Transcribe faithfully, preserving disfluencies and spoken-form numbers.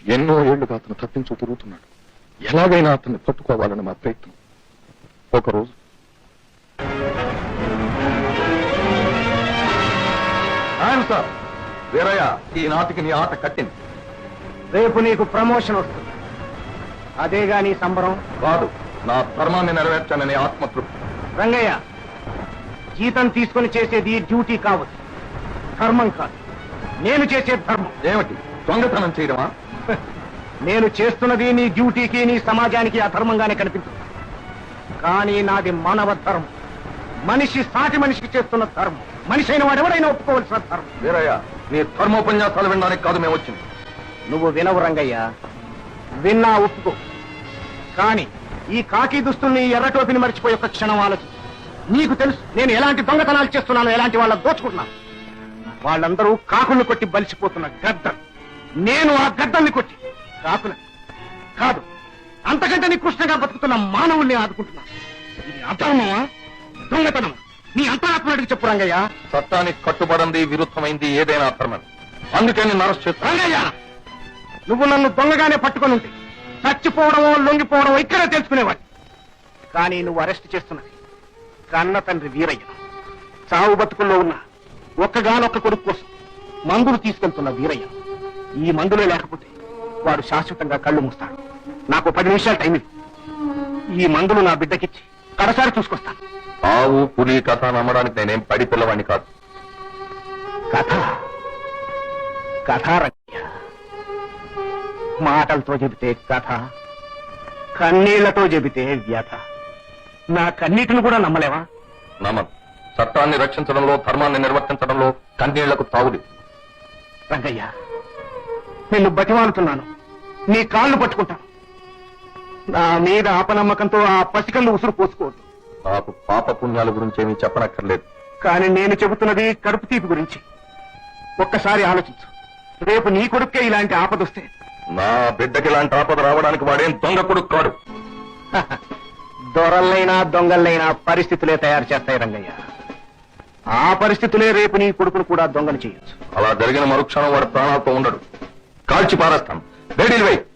ఎన్నో ఏళ్లుగా అతను తప్పించు తిరుగుతున్నాడు. ఎలాగైనా అతన్ని పట్టుకోవాలని మా ప్రయత్నం. ఒకరోజు సార్ వీరయ్య, ఈ నాటికి నీ ఆట కట్టింది. రేపు నీకు ప్రమోషన్ వస్తుంది. అదేగా నీ సంబరం? కాదు, నా ధర్మాన్ని నెరవేర్చానని ఆత్మతృప్తి. రంగయ్య, జీతం తీసుకుని చేసేది డ్యూటీ కావచ్చు, ధర్మం కాదు. నేను చేసే ధర్మం. ఏమిటి, దొంగతనం చేయడమా? నేను చేస్తున్నది నీ డ్యూటీకి, నీ సమాజానికి అధర్మంగానే కనిపిస్తుంది. కానీ నాది మానవ ధర్మం. మనిషి సాటి మనిషికి చేస్తున్న ధర్మం. మనిషి అయిన వాడు ఎవరైనా ఒప్పుకోవాల్సిన ధర్మం. వీరయ్య, నీ ధర్మోపన్యాసాలు వినడానికి కాదు మేము వచ్చింది. నువ్వు వినవు రంగయ్య, విన్నా ఒప్పుకో. కానీ ఈ కాకి దుస్తుల్ని, ఎర్ర టోపిని మర్చిపోయి ఒక క్షణం ఆలోచించు. నీకు తెలుసు నేను ఎలాంటి దొంగతనాలు చేస్తున్నాను, ఎలాంటి వాళ్ళ దోచుకుంటున్నాను. వాళ్ళందరూ కాకుల్ని కొట్టి బలిసిపోతున్న గద్దలు. నేను ఆ గద్దల్ని కొట్టి కాకుల కాదు, అంతకంటే నికృష్టంగా బతుకుతున్న మానవుల్ని ఆదుకుంటున్నాను. ఇది అధర్మమా, దొంగతనమా? నీ అంతరాత్మడికి చెప్పు రంగయ్య. చట్టానికి కట్టుబడింది, విరుద్ధమైంది ఏదైనా అధర్మం. అందుకే నేను అరెస్ట్ చేస్తాను. రంగయ్య, నువ్వు నన్ను దొంగగానే పట్టుకొని ఉంటే చచ్చిపోవడమో లొంగిపోవడమో ఇక్కడే తెలుసుకునేవాడి. కానీ నువ్వు అరెస్ట్ చేస్తున్నది కన్న తండ్రి వీరయ్య. చావు బతుకుల్లో ఉన్న ఒక్కగానొక్క కొడుకు కోసం మందులు తీసుకెళ్తున్న వీరయ్య. ఈ మందులే లేకపోతే వాడు శాశ్వతంగా కళ్ళు మూస్తాడు. నాకు పది నిమిషాలు టైం ఇవ్వు. ఈ మందులు నా బిడ్డకిచ్చి కడసారి చూసుకొస్తాను. ఆవు పులి కథ నమ్మడానికి నేనేం పడి పిల్లవాడిని కాదు. కథ కథ రంగయ్య, మాటలతో చెబితే కథ, కన్నీళ్లతో చెబితే వ్యథ. నా కన్నీటిని కూడా నమ్మలేవా? నమ్మను. చట్టాన్ని రక్షించడంలో, ధర్మాన్ని నిర్వర్తించడంలో కన్నీళ్లకు తావుది. రంగయ్య, నిన్ను బతిమాలుతున్నాను. నీ కాళ్ళు పట్టుకుంటాను. నా మీద అపనమ్మకంతో ఆ పసికళ్ళు ఉసురు పోసుకోవద్దు. నాకు పాప పుణ్యాల గురించి ఏమీ చెప్పనక్కర్లేదు. కానీ నేను చెబుతున్నది కడుపు తీపి గురించి. ఒక్కసారి ఆలోచించు. రేపు నీ కొడుకే ఇలాంటి ఆపదొస్తే నా బిడ్డకి ఇలాంటి ఆపద రావడానికి వాడేం దొంగ కొడుకు కాడు. దొరల్లైనా దొంగలైనా పరిస్థితులే తయారు చేస్తాయి రంగయ్య. ఆ పరిస్థితులే రేపు నీ కొడుకును కూడా దొంగలు చేయొచ్చు. అలా జరిగిన మరుక్షణం వాడు ప్రాణాలతో ఉండడు. కాల్చి పారేస్తాను. వేడిలు వేయి.